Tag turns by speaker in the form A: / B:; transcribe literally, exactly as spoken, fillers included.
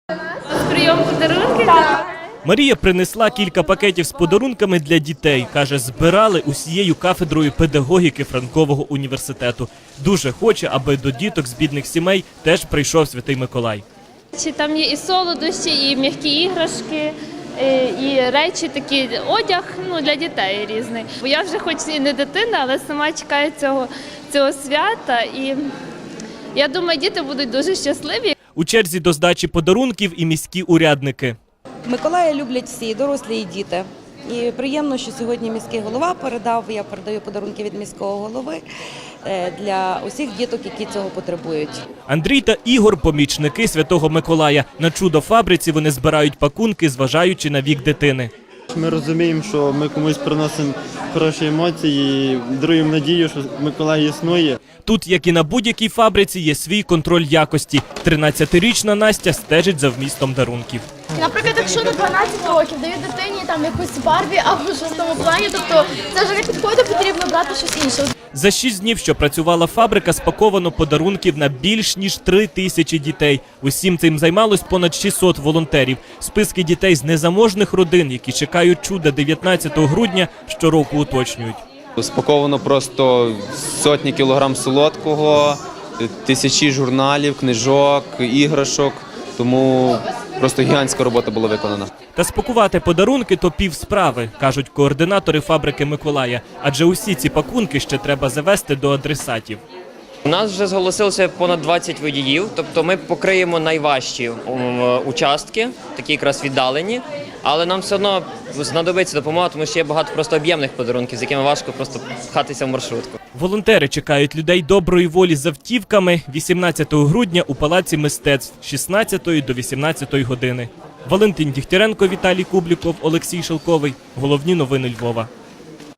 A: Прийом подарунків.
B: Марія принесла кілька пакетів з подарунками для дітей. Каже, збирали усією кафедрою педагогіки Франкового університету. Дуже хоче, аби до діток з бідних сімей теж прийшов Святий Миколай.
A: Там є і солодощі, і м'які іграшки, і речі, такі, одяг ну, для дітей різний. Бо я вже хоч і не дитина, але сама чекаю цього, цього свята. І я думаю, діти будуть дуже щасливі.
B: У черзі до здачі подарунків і міські урядники.
C: Миколая люблять всі, і дорослі, і діти. І приємно, що сьогодні міський голова передав, я передаю подарунки від міського голови для усіх діток, які цього потребують.
B: Андрій та Ігор – помічники Святого Миколая. На чудо-фабриці вони збирають пакунки, зважаючи на вік дитини.
D: Ми розуміємо, що ми комусь приносимо хороші емоції і даруємо надію, що Миколай існує.
B: Тут, як і на будь-якій фабриці, є свій контроль якості. тринадцятирічна Настя стежить за вмістом дарунків.
E: Наприклад, якщо до дванадцяти років дають дитині там якусь Барбі або щось в тому плані, тобто це вже не підходить, потрібно брати щось інше.
B: За шість днів, що працювала фабрика, спаковано подарунків на більш ніж три тисячі дітей. Усім цим займалось понад шістсот волонтерів. Списки дітей з незаможних родин, які чекають чуда дев'ятнадцятого грудня, щороку уточнюють.
F: Спаковано просто сотні кілограм солодкого, тисячі журналів, книжок, іграшок, тому просто гігантська робота була виконана.
B: Та спакувати подарунки – то пів справи, кажуть координатори фабрики Миколая. Адже усі ці пакунки ще треба завести до адресатів.
G: У нас вже зголосилося понад двадцять водіїв, тобто ми покриємо найважчі участки, такі якраз віддалені, але нам все одно знадобиться допомога, тому що є багато просто об'ємних подарунків, з якими важко просто пхатися в маршрутку.
B: Волонтери чекають людей доброї волі з автівками вісімнадцятого грудня у Палаці мистецтв з шістнадцятої до вісімнадцятої години. Валентин Дігтяренко, Віталій Кубліков, Олексій Шелковий. Головні новини Львова.